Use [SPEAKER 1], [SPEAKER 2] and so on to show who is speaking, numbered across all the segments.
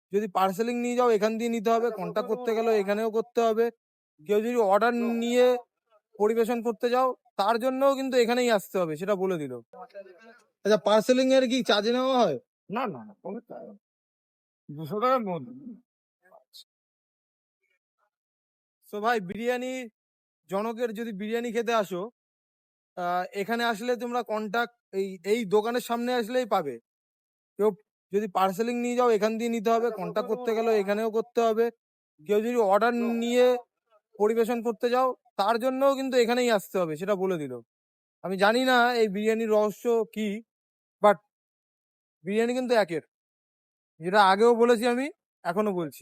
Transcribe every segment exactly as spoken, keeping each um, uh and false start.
[SPEAKER 1] যদি পার্সেলিং নিয়ে যাও এখান দিয়ে নিতে হবে, কন্ট্যাক্ট করতে গেলেও এখানেও করতে হবে। কেউ যদি অর্ডার নিয়ে পরিবেশন করতে যাও তার জন্যও কিন্তু এখানেই আসতে হবে, সেটা বলে দিল। আচ্ছা, পার্সেলিং এর কি চার্জ নেওয়া হয়?
[SPEAKER 2] না না না, কোনো চাই না। দুশো টাকার মধ্যে।
[SPEAKER 1] তো ভাই, বিরিয়ানি জনকের যদি বিরিয়ানি খেতে আসো, আহ, এখানে আসলে তোমরা কন্টাক্ট এই এই দোকানের সামনে আসলেই পাবে। কেউ যদি পার্সেলিং নিয়ে যাও এখান দিয়ে নিতে হবে, কন্ট্যাক্ট করতে গেলেও এখানেও করতে হবে। কেউ যদি অর্ডার নিয়ে পরিবেশন করতে যাও তার জন্যও কিন্তু এখানেই আসতে হবে, সেটা বলে দিল। আমি জানি না এই বিরিয়ানির রহস্য কি, বাট বিরিয়ানি কিন্তু একের, যেটা আগেও বলেছি আমি, এখনো বলছি।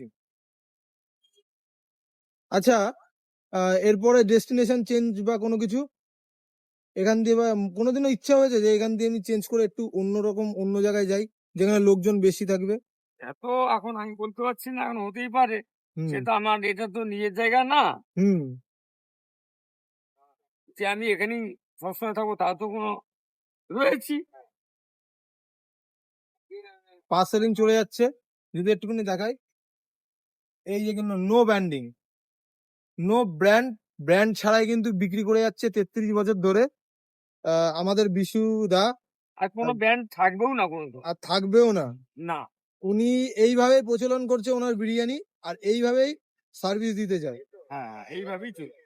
[SPEAKER 1] আচ্ছা, আহ, এরপরে ডেস্টিনেশন চেঞ্জ বা কোনো কিছু এখান দিয়ে, বা কোনোদিনও ইচ্ছা হয়েছে যে এখান দিয়ে আমি চেঞ্জ করে একটু অন্যরকম অন্য জায়গায় যাই যেখানে লোকজন বেশি থাকবে?
[SPEAKER 2] এত এখন আমি বলতে পারছি না, এখন হতেই পারে।
[SPEAKER 1] হুম
[SPEAKER 2] সেটা আমার, এটা তো নিজের জায়গা না
[SPEAKER 1] হুম
[SPEAKER 2] যে আমি এখানেই সবসময় থাকবো, তা তো কোনো রয়েছি।
[SPEAKER 1] পার্সেলিং চলে যাচ্ছে, যদি একটুখানি দেখাই। এই যে কিন্তু no branding, no brand, brand ছাড়াই কিন্তু বিক্রি করে যাচ্ছে তেত্রিশ বছর ধরে আহ, আমাদের বিশু দা।
[SPEAKER 2] আর কোনো
[SPEAKER 1] আর
[SPEAKER 2] ব্যান্ড থাকবেও না কোনো তো।
[SPEAKER 1] আর থাকবেও না।
[SPEAKER 2] না।
[SPEAKER 1] উনি এইভাবে প্রচলন করছে ওনার বিরিয়ানি, আর এইভাবেই সার্ভিস দিতে চায়।
[SPEAKER 2] হ্যাঁ, এইভাবেই চলবে।